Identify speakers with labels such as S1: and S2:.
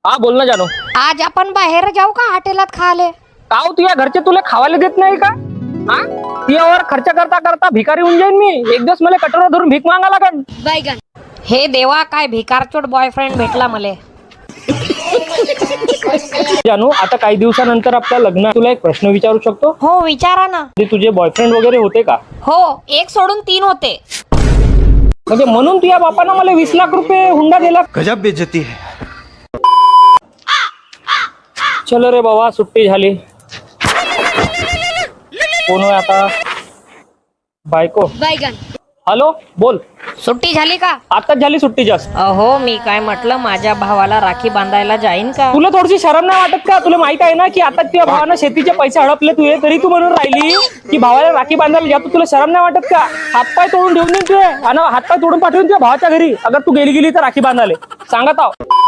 S1: हा बोल ना जानू.
S2: आज आपण बाहेर जाऊ का हॉटेलात खाले?
S1: का हो तुझ्या घरचे तुला खावायला देत नाही का? हा तुझ्यावर खर्च करता करता भिकारी होऊन जाईन मी. एक दिवस मला कटोरा धरून भीक मागा लागेल.
S2: हे देवा, काय भिकारचोट बॉयफ्रेंड भेटला मले.
S1: जानू आता काही दिवसानंतर आपलं लग्न. तुला एक प्रश्न विचारू शकतो?
S2: हो विचारा ना.
S1: तुझे बॉयफ्रेंड वगैरे होते का?
S2: हो, एक सोडून 3 होते.
S1: म्हणजे म्हणून तुझ्या बापानं मला 20 लाख रुपये हुंडा दिला.
S3: गजब बेइज्जती है.
S1: चलो रे बाबा, सुट्टी झाली. कोण होय आता? बायको. हॅलो बोल.
S2: सुट्टी झाली का?
S1: आताच झाली सुट्टी जास्त.
S2: अहो मी काय म्हटलं, माझ्या भावाला राखी बांधायला जाईन का?
S1: तुला थोडीशी शरम नाही वाटत का? तुला माहित आहे ना की आता तुझ्या भावानं शेतीचे पैसे हडपले तुझे, तरी तू म्हणून राहिली की भावाला राखी बांधायला जातो. तुला शरम नाही वाटत का? हातपाय तोडून ठेवून देईन तुझे आणि हातपाय तोडून पाठवून तुझ्या भावाच्या घरी, अगर तू गेली तर राखी बांधाले सांगत आहो.